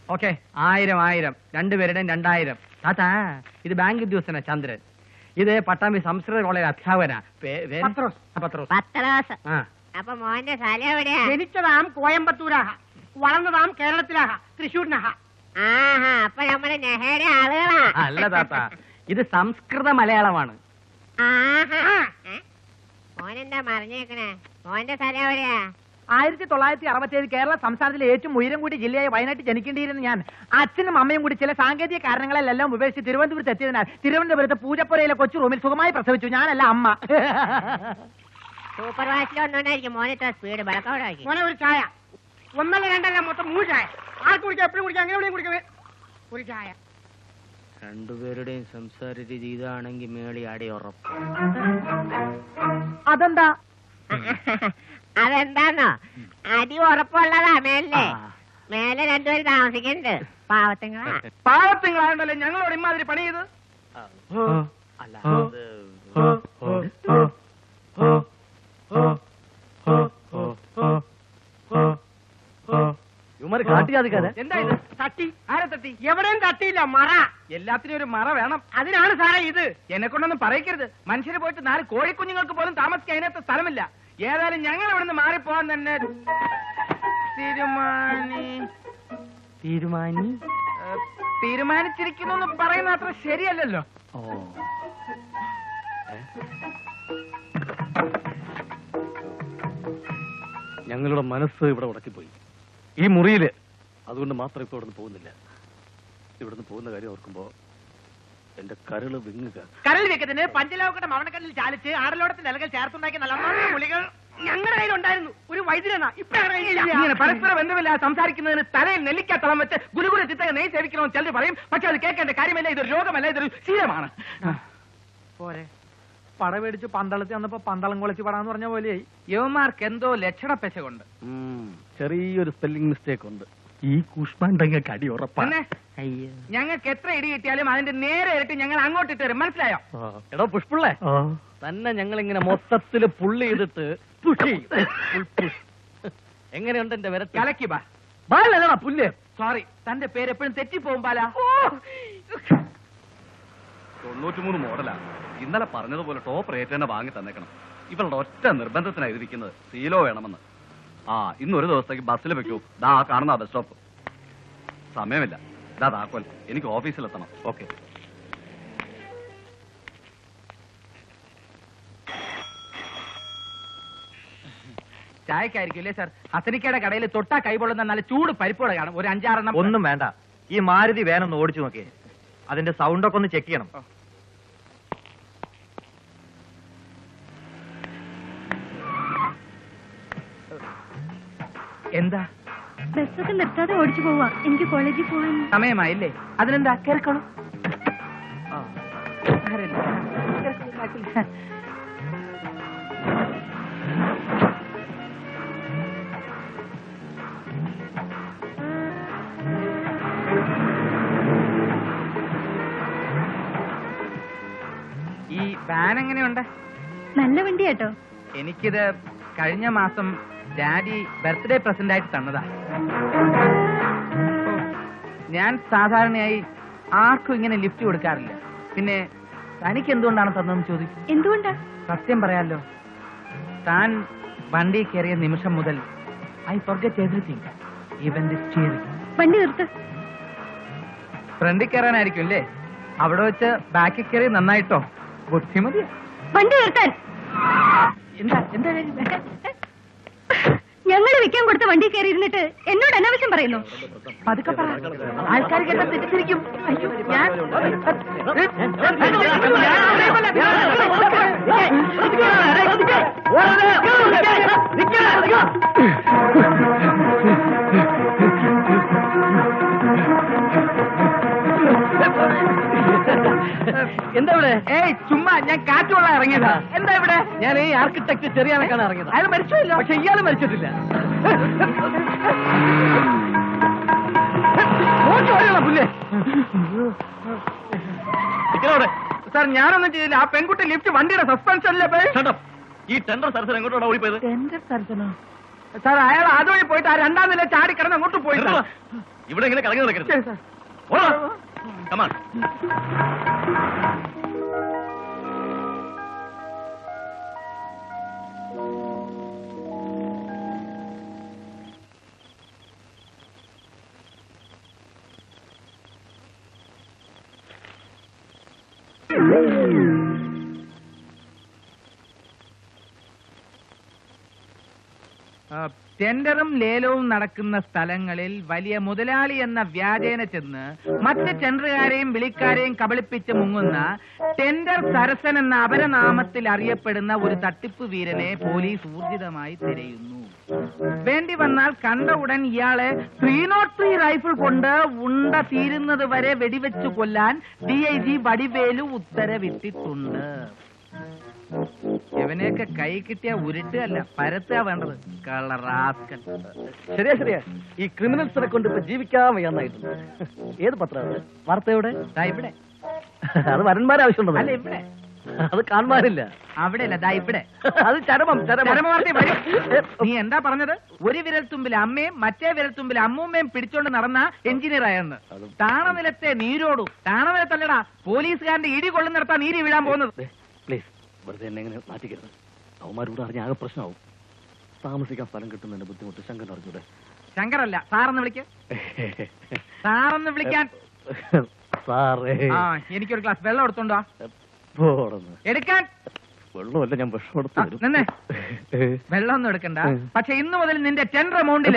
Okay 1000 രണ്ടുപേരുടെയും 2000. താത്താ ഇത് bank ഉദ്യോഗസ്ഥനാ ചന്ദ്രൻ. ഇത് പട്ടാമ്പി സംസ്കൃത കോളേജ് അധ്യാപകനാ. പത്രോസ്. അപ്പൊ മോന്റെ സ്ഥലം എവിടെയാ? ജനിച്ചതാം കോയമ്പത്തൂരാഹ, വളർന്നതാം കേരളത്തിലാഹ, തൃശ്ശൂരിനാഹ. ആഹാ, അപ്പൊ നമ്മുടെ നെഹയുടെ ആളുകളാ. അല്ല താത്ത, ഇത് സംസ്കൃത മലയാളമാണ്. മോനെന്താ മറിഞ്ഞേക്കണേ? മോന്റെ സ്ഥലം എവിടെയാ? 1967 കേരള സംസ്ഥാനത്തിലെ ഏറ്റവും ഉയരം കൂടിയ ജില്ലയായ വയനാട്ടിൽ ജനിക്കേണ്ടിയിരുന്ന ഞാൻ അച്ഛനും അമ്മയും കൂടി ചില സാങ്കേതിക കാരണങ്ങളെല്ലാം ഉപേക്ഷിച്ച് തിരുവനന്തപുരത്ത് എത്തിയതിനാൽ തിരുവനന്തപുരത്ത് പൂജപ്പുരയിലെ കൊച്ചു റൂമിൽ സുഖമായി പ്രസവിച്ചു. ഞാനല്ല, അമ്മ. സൂപ്പർ വാച്ചിൽ ഒന്നുകൊണ്ടായിരിക്കും മോനെ ഇത്ര സ്പീഡ്. ബളക്കോടാക്കി മോനെ ഒരു ചായ. 1 2 അല്ല, മൊത്തം 3 ചായ. ആർക്ക് കുടിക്കാം? എപ്പോഴും കുടിക്കാം, അങ്ങനെ കുടിക്കാം. ഒരു ചായ. രണ്ടുപേരുടെയും സംസാര രീതി ഇതാണെങ്കിൽ മേളി അടി ഉറപ്പ്. അതെന്താ? അതെന്താന്നോ, അടി ഉറപ്പുള്ളതാ. മേലെ രണ്ടുപേരും താമസിക്കുന്നുണ്ട്. പാവത്തിങ്ങളാണ്ടല്ലേ ഞങ്ങളോട് ഇമാതിരി പണി ചെയ്ത്. അല്ല എന്താ ഇത്? തട്ടി? ആരെ തട്ടി? എവിടെയും തട്ടിയില്ല. മറ. എല്ലാത്തിനും ഒരു മറ വേണം. അതിനാണ് സാറേ ഇത്. എന്നെ കൊണ്ടൊന്നും പറയിക്കരുത്. മനുഷ്യര് പോയിട്ട് 4 കോഴിക്കുഞ്ഞുങ്ങൾക്ക് പോലും താമസിക്കാൻ അതിനകത്ത് സ്ഥലമില്ല. ഏതായാലും ഞങ്ങൾ ഇവിടെ നിന്ന് മാറിപ്പോവാൻ തന്നെ തീരുമാനിച്ചിരിക്കുന്നു എന്ന് പറയുന്ന അത്ര ശരിയല്ലല്ലോ. ഞങ്ങളുടെ മനസ്സ് ഇവിടെ ഉടക്കിപ്പോയി ഈ മുറിയില്. അതുകൊണ്ട് മാത്രം ഇപ്പൊ ഇവിടുന്ന് പോകുന്നില്ല. ഇവിടുന്ന് പോകുന്ന കാര്യം ഓർക്കുമ്പോ എന്റെ കരള് വിങ്ങുക. കരൾ വെക്കത്തിന് പഞ്ചലോകയുടെ മവണക്കല്ലിൽ ചാലിച്ച് ആടലോടത്തിന്റെ ഇലകൾ ചേർത്തുണ്ടാക്കിയ നല്ല ഗുളികൾ ഞങ്ങളുടെ കയ്യിലുണ്ടായിരുന്നു. ഒരു വൈദ്യനാ. ഇങ്ങനെ പരസ്പര ബന്ധമില്ലാതെ സംസാരിക്കുന്നതിന് തലയിൽ നെല്ലിക്കത്തളം വെച്ച് ഗുരുകുല ചിത്തക നെയ് സേവിക്കണമെന്ന് ചിലർ പറയും. പക്ഷെ അത് കേൾക്കേണ്ട കാര്യമല്ല. ഇതൊരു രോഗമല്ല, ഇതൊരു ശീലമാണ്. പോരെ, പട മേടിച്ച് പന്തളത്തി വന്നപ്പോ പന്തളം കുളച്ച് പടാന്ന് പറഞ്ഞ പോലെയായി. യവന്മാർക്ക് എന്തോ ലക്ഷണപ്പെശകൊണ്ട്. ചെറിയൊരു സ്പെല്ലിംഗ് മിസ്റ്റേക്ക് ഉണ്ട്. ഈ കൂഷ്മാണ്ടങ്ങൾക്ക് അടി ഉറപ്പാണ്. ഞങ്ങൾക്ക് എത്ര ഇടി കിട്ടിയാലും അതിന്റെ നേരെ ഇരട്ടി ഞങ്ങൾ അങ്ങോട്ടിട്ട് വരും. മനസ്സിലായോ? എടോ പുഷ്പിള്ളേ, തന്നെ ഞങ്ങൾ ഇങ്ങനെ മൊത്തത്തില് പുള്ളി ചെയ്തിട്ട് എങ്ങനെയുണ്ട് എന്റെ വിരട്ട്? കലക്കി ബാ. ബാലടാ പുല്ല്. സോറി, തന്റെ പേര് എപ്പോഴും തെറ്റിപ്പോകും ബാല. 93 മോഡലാ. ഇന്നലെ പറഞ്ഞതുപോലെ ടോപ്പ് റേറ്റ് തന്നെ വാങ്ങി തന്നേക്കണം. ഇവളുടെ ഒറ്റ നിർബന്ധത്തിനാണ് ഇരിക്കുന്നത്. സീലോ വേണമെന്ന്. ഇന്നൊരു ദിവസത്തേക്ക് ബസ്സിൽ വെക്കൂ. ദാ കാണുന്ന ബസ് സ്റ്റോപ്പ്. സമയമില്ല. ഇതാ താക്കോൽ. എനിക്ക് ഓഫീസിലെത്തണം. ഓക്കെ. ചായക്കായിരിക്കും അല്ലേ സാർ? ഹസനിക്കയുടെ കടയിൽ തൊട്ടാ കൈപൊള്ളുന്ന നല്ല ചൂട് പരിപ്പോടെ കാണും. ഒരു 5-6 എണ്ണം. ഒന്നും വേണ്ട. ഈ മാരുതി വേനൊന്ന് ഓടിച്ചു നോക്കിയേ. അതിന്റെ സൗണ്ടൊക്കെ ഒന്ന് ചെക്ക് ചെയ്യണം. എന്താ? ബസ്സൊക്കെ നിർത്താതെ ഓടിച്ചു പോവാ. എനിക്ക് കോളേജിൽ പോവാൻ സമയമായില്ലേ? അതിനെന്താ, കേൾക്കണോ? ഈ വാൻ എങ്ങനെയുണ്ട്? നല്ല വണ്ടി കേട്ടോ. എനിക്കിത് കഴിഞ്ഞ മാസം ഡാഡി ബർത്ത്ഡേ പ്രസന്റ് ആയിട്ട് തന്നതാ. ഞാൻ സാധാരണയായി ആർക്കും ഇങ്ങനെ ലിഫ്റ്റ് കൊടുക്കാറില്ല. പിന്നെ തനിക്ക് എന്തുകൊണ്ടാണ് തന്നതെന്ന് ചോദിക്കും. എന്തുകൊണ്ടാ? സത്യം പറയാലോ, താൻ വണ്ടി കയറിയ നിമിഷം മുതൽ I forget everything, even the steering. വണ്ടി നിർത്ത്. ഫ്രണ്ടിൽ കയറാനായിരിക്കും അല്ലേ? അവിടെ വെച്ച് ബാക്കിൽ കയറി നന്നായിട്ടോ. ബുദ്ധിമതി. വണ്ടി നിർത്താൻ. എന്താ എന്താ ഞങ്ങൾ വെക്കാൻ കൊടുത്ത വണ്ടി കയറി ഇരുന്നിട്ട് എന്നോട് അനാവശ്യം പറയുന്നു. പതുക്കെ പറ, ആൾക്കാർ കേട്ടാ തെറ്റിദ്ധരിക്കും. അയ്യോ, ഞാൻ എന്താ ഇവിടെ? ഏയ് ചുമ്മാ, ഞാൻ കാറ്റുകൊള്ളാൻ ഇറങ്ങിയതാ. എന്താ ഇവിടെ? ഞാൻ ഈ ആർക്കിടെക്ട് ചെറിയാനൊക്കെയാണ് ഇറങ്ങിയത്. അയാൾ മരിച്ചില്ല. പക്ഷെ ഇയാൾ മരിച്ചിട്ടില്ല. പുല്ലേ സാർ, ഞാനൊന്നും ചെയ്തില്ല. ആ പെൺകുട്ടി ലിഫ്റ്റ് വണ്ടിയുടെ സസ്പെൻഷനിലെ ഈ ടെൻഡർ സർജൻ എങ്ങോട്ടാണ് ഓടിപ്പോയത്? സാർ, അയാൾ അതുവഴി പോയിട്ട് ആ 2ാം നില ചാടി കിടന്ന് അങ്ങോട്ട് പോയി. ഇവിടെ ഇങ്ങനെ കറങ്ങി നടക്കരുത്. ഓടാ. Come on. ടെൻഡറും ലേലവും നടക്കുന്ന സ്ഥലങ്ങളിൽ വലിയ മുതലാളി എന്ന വ്യാജേന ചെന്ന് മറ്റ് ടെൻഡറുകാരെയും വിളിക്കാരെയും കബളിപ്പിച്ച് മുങ്ങുന്ന ടെൻഡർ സരസൻ എന്ന അപരനാമത്തിൽ അറിയപ്പെടുന്ന ഒരു തട്ടിപ്പ് വീരനെ പോലീസ് ഊർജിതമായി തിരയുന്നു. വേണ്ടി വന്നാൽ കണ്ട ഉടൻ ഇയാളെ 303 റൈഫിൾ കൊണ്ട് ഉണ്ട തീരുന്നത് വരെ വെടിവെച്ചു കൊല്ലാൻ DIG വടിവേലു ഉത്തരവിട്ടിട്ടുണ്ട്. ഇവനെയൊക്കെ കൈ കിട്ടിയ ഉരുട്ടുകയല്ല പരത്തുക വേണ്ടത്. കളറാസ്കൻ. ശരിയാ ഈ ക്രിമിനൽസിനെ കൊണ്ട് ഇപ്പൊ ജീവിക്കാൻ വയ്യാന്നായിട്ടുണ്ട്. ഏത് പത്രം വാർത്തയുടെ ഇവിടെ അത് വരന്മാരെ ആവശ്യമുണ്ടോ? അല്ല ഇവിടെ അത് കാണാനില്ല. അവിടെ അല്ല ഇവിടെ അത് ചരമം നീ എന്താ പറഞ്ഞത്? ഒരു വിരൽത്തുമ്പിൽ അമ്മയും മറ്റേ വിരൽത്തുമ്പിൽ അമ്മൂമ്മയും പിടിച്ചോണ്ട് നടന്ന എഞ്ചിനീയർ ആയെന്ന്. താണനിലത്തെ നീരോടു. താണനിലത്തല്ലടാ പോലീസുകാരന്റെ ഇടി കൊള്ളുന്നിടത്താ നീരി വീഴാൻ പോകുന്നത്. പ്ലീസ് വെറുതെ എന്നെ എങ്ങനെ മാറ്റിക്കരുത്. അവന്മാരോട് അറിഞ്ഞ ആകെ പ്രശ്നമാവും. താമസിക്കാൻ സ്ഥലം കിട്ടുന്നതിന്റെ ബുദ്ധിമുട്ട് ശങ്കർ അറിഞ്ഞൂടെ? ശങ്കറല്ല സാറെന്ന് വിളിക്ക. സാറെന്ന് വിളിക്കാൻ. സാറേ എനിക്കൊരു ഗ്ലാസ് വെള്ളം എടുത്തോണ്ടോ? എടുക്കാൻ. വെള്ളമല്ല ഞാൻ വിഷം എടുത്തു. നിന്നെ വെള്ളം ഒന്നും എടുക്കണ്ട. പക്ഷെ ഇന്ന് മുതൽ നിന്റെ ടെൻഡർ എമൗണ്ടില്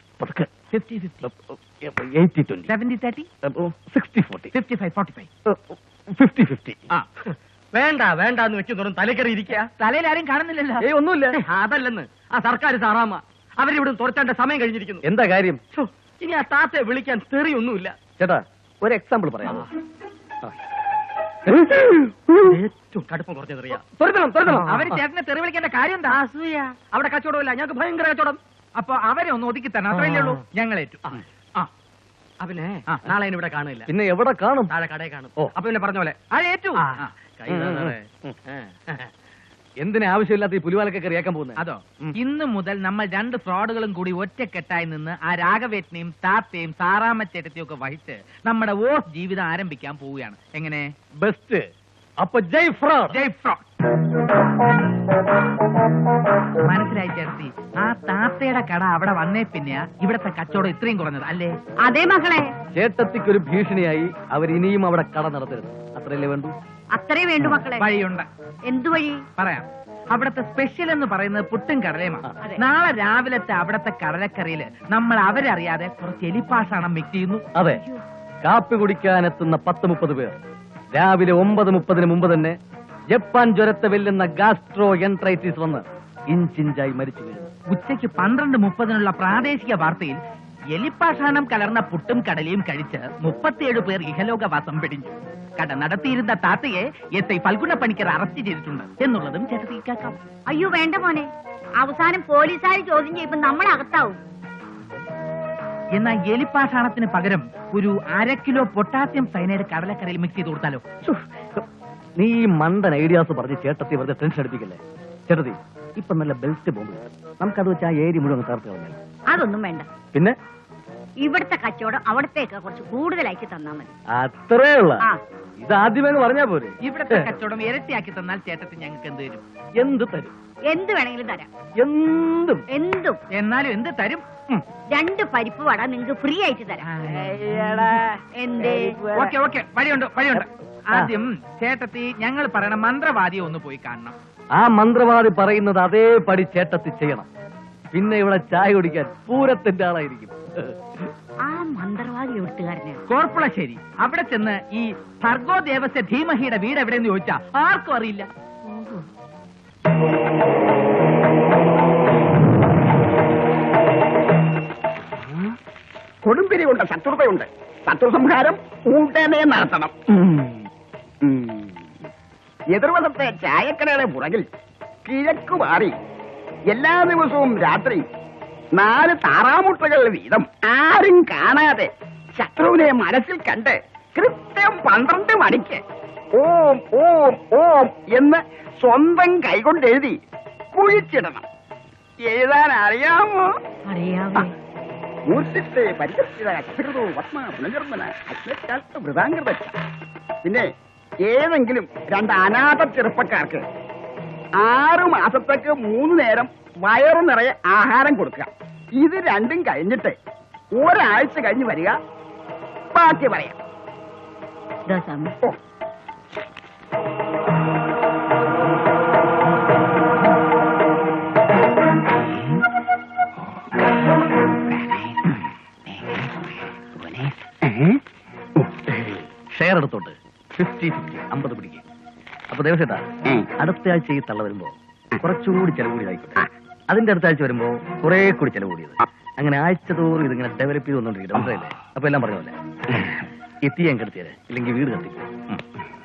70-30 60-40 55-45 50-50. വേണ്ടെന്ന് വെക്കുന്നതും തലക്കറി ഇരിക്കുക. തലയിൽ ആരും കാണുന്നില്ലല്ലോ. ഒന്നുമില്ല. അതല്ലെന്ന് ആ സർക്കാർ സാറാമ്മ അവരിവിടെ തുറച്ചാണ്ട സമയം കഴിഞ്ഞിരിക്കുന്നു. എന്താ കാര്യം? ഇനി ആ താത്തയെ വിളിക്കാൻ തെറിയൊന്നുമില്ല. ചേട്ടാ ഒരു എക്സാമ്പിൾ പറയാമോ? ഏറ്റവും കടുപ്പം കുറഞ്ഞ തെറിയാ. അവര് ചേട്ടനെ തെറി വിളിക്കേണ്ട കാര്യം എന്താ? അവിടെ കച്ചവടമില്ല, ഞങ്ങൾക്ക് ഭയങ്കര കച്ചവടം. അപ്പൊ അവരെ ഒന്ന് ഒതുക്കി തരണം, അത്രയല്ലേ ഉള്ളൂ. ഞങ്ങളേറ്റു. പിന്നെ നാളെ ഇവിടെ കാണില്ല. പിന്നെ എവിടെ കാണും? താഴെ കടയിൽ കാണും. അപ്പൊ പിന്നെ പറഞ്ഞ പോലെ ഏറ്റു. എന്തിനാ ആവശ്യമില്ലാത്ത ഈ പുലിവാലൊക്കെ കറിയാക്കാൻ പോകുന്നത്? അതോ ഇന്ന് മുതൽ നമ്മൾ 2 ഫ്രോഡുകളും കൂടി ഒറ്റക്കെട്ടായി നിന്ന് ആ രാഘവേട്ടനെയും താത്തയും സാറാമച്ചേട്ടത്തെയും ഒക്കെ വഹിച്ച് നമ്മുടെ വോട്ട് ജീവിതം ആരംഭിക്കാൻ പോവുകയാണ്. എങ്ങനെ? ബെസ്റ്റ്. അപ്പൊ ജയ് ഫ്രോഡ്. ജയ് ഫ്രോഡ്. മനസ്സിലായി ചേർത്തി. ആ താത്തയുടെ കട അവിടെ വന്നേ പിന്നെ ഇവിടത്തെ കച്ചവടം ഇത്രയും കുറഞ്ഞത് അല്ലേ? അതെ മകളെ. ചേട്ടത്തിക്കൊരു ഭീഷണിയായി അവരിനിയും അവിടെ കട നടത്തരുത്. അത്രയല്ലേ വേണ്ടു? അത്രേ വേണ്ടു മക്കളെ. വഴിയുണ്ട്. എന്തു വഴി? പറയാം. അവിടത്തെ സ്പെഷ്യൽ എന്ന് പറയുന്നത് പുട്ടും കടലയുമാണ്. നാളെ രാവിലത്തെ അവിടത്തെ കടലക്കറിയില് നമ്മൾ അവരറിയാതെ കുറച്ച് എലിപ്പാഷാണം മിക്സ് ചെയ്യുന്നു. അതെ, കാപ്പി കുടിക്കാനെത്തുന്ന 10-30 പേർ രാവിലെ 9:30 മുമ്പ് തന്നെ ജപ്പാൻ ജ്വരത്തെ വെല്ലുന്ന ഗാസ്ട്രോ എൻട്രൈറ്റിസ് വന്ന് ഇഞ്ചിഞ്ചായി മരിച്ചു വീഴുന്നു. ഉച്ചയ്ക്ക് 12:30 പ്രാദേശിക വാർത്തയിൽ എലിപ്പാഷാണം കലർന്ന പുട്ടും കടലയും കഴിച്ച് 37 പേർ ഇഹലോകവാസം പിടിഞ്ഞു. കട നടത്തിയിരുന്ന താത്തയെ SI ഫൽഗുണ പണിക്കർ അറസ്റ്റ് ചെയ്തിട്ടുണ്ട് എന്നുള്ളതും ചേട്ടത്തി കേൾക്കാം. അയ്യോ വേണ്ട മോനെ, അവസാനം പോലീസുകാർ ചോദ്യം ചെയ്യുമ്പോ നമ്മൾ അകത്താവും. എന്നാൽ എലിപ്പാഷാണത്തിന് പകരം ഒരു 1/2 കിലോ പൊട്ടാസ്യം സയനൈഡ് കടലക്കറിയിൽ മിക്സ് ചെയ്ത് കൊടുത്താലോ? നീ ഈ മണ്ടൻ ഐഡിയാസ് പറഞ്ഞ് ചേട്ടത്തി വെറുതെ ടെൻഷൻ അടിപ്പിക്കല്ലേ. ചേട്ടത്തി ഇപ്പൊ നല്ല ബെൽറ്റ് ബോംബ് നമുക്കത് വെച്ച് ആ ഏരി മുഴുവൻ തകർത്ത് കളഞ്ഞു. അതൊന്നും വേണ്ട. പിന്നെ ഇവിടുത്തെ കച്ചവടം അവിടത്തേക്ക് കുറച്ച് കൂടുതലാക്കി തന്നാ മതി. അത്രേ ഉള്ള. ഇത് ആദ്യമേ പറഞ്ഞാ പോരെ. ഇവിടത്തെ കച്ചവടം ഇരട്ടിയാക്കി തന്നാൽ ചേട്ടത്തി ഞങ്ങൾക്ക് എന്ത് തരും? എന്ത് തരും? എന്ത് വേണമെങ്കിലും തരാം. എന്തും. എന്തും. എന്നാലും എന്ത് തരും? 2 പരിപ്പ് വട നിങ്ങക്ക് ഫ്രീ ആയിട്ട് തരാം. എന്തേ? ഓക്കെ വഴിയുണ്ട്. ആദ്യം ചേട്ടത്തി ഞങ്ങൾ പറയണ മന്ത്രവാദിയെ ഒന്ന് പോയി കാണണം. ആ മന്ത്രവാദി പറയുന്നത് അതേപടി ചേട്ടത്തി ചെയ്യണം. പിന്നെ ഇവിടെ ചായ കുടിക്കാൻ പൂരത്തിന്റെ ആളായിരിക്കും. ആ മന്ത്രവാദി എഴുത്തുകാരനാണ് കോർപ്പുളശ്ശേരി. അവിടെ ചെന്ന് ഈ ഭർഗോ ദേവസ്യ ധീമഹിയുടെ വീട് എവിടെയെന്ന് ചോദിച്ചാ ആർക്കും അറിയില്ല. കൊടുമ്പിരിയുണ്ട്, ശത്രുതയുണ്ട്. ശത്രുസംഹാരം ഉടനെ നടത്തണം. എതിർവശത്തെ ചായക്കടയുടെ പുറകിൽ കിഴക്ക് മാറി എല്ലാ ദിവസവും രാത്രി 4 താറാമുട്ടകൾ വീതം ആരും കാണാതെ ശത്രുവിനെ മനസ്സിൽ കണ്ട് കൃത്യം 12 മണിക്ക് ഓം ഓം ഓം എന്ന് സ്വന്തം കൈകൊണ്ട് എഴുതി കുഴിച്ചിടണം. എഴുതാൻ അറിയാമോ? അറിയാമോ? മൂർത്തിത്തെ പരികർഷിത അക്ഷരതോ വത്മ പുനർജന്മന അഗ്നക്കാലത്ത് വൃതാംഗത. പിന്നെ ഏതെങ്കിലും 2 അനാഥ ചെറുപ്പക്കാർക്ക് 6 മാസത്തേക്ക് 3 നേരം വയറു നിറയെ ആഹാരം കൊടുക്കുക. ഇത് രണ്ടും കഴിഞ്ഞിട്ട് ഒരാഴ്ച കഴിഞ്ഞ് വരിക. ബാക്കി പറയാം. ഓ, ഷെയർ എടുത്തോട്ട് 50-50 50 പിടിക്കുക. അപ്പൊ ദേവസേട്ടാ, അടുത്ത ആഴ്ച ഈ തള്ള വരുമ്പോ കുറച്ചുകൂടി ചെലവ് കൂടിയതായിക്കോട്ടെ. അതിന്റെ അടുത്ത ആഴ്ച വരുമ്പോ കുറെ കൂടി ചെലവ് കൂടിയത്. അങ്ങനെ ആഴ്ച തോറും ഇതിങ്ങനെ ഡെവലപ്പ് ചെയ്ത് വന്നോണ്ടിരിക്കും. മനസ്സിലായില്ലേ? അപ്പൊ എല്ലാം പറഞ്ഞ പോലെ എത്തി ഞാൻ കെടുത്തിയത്, ഇല്ലെങ്കിൽ വീട് കത്തിക്കും.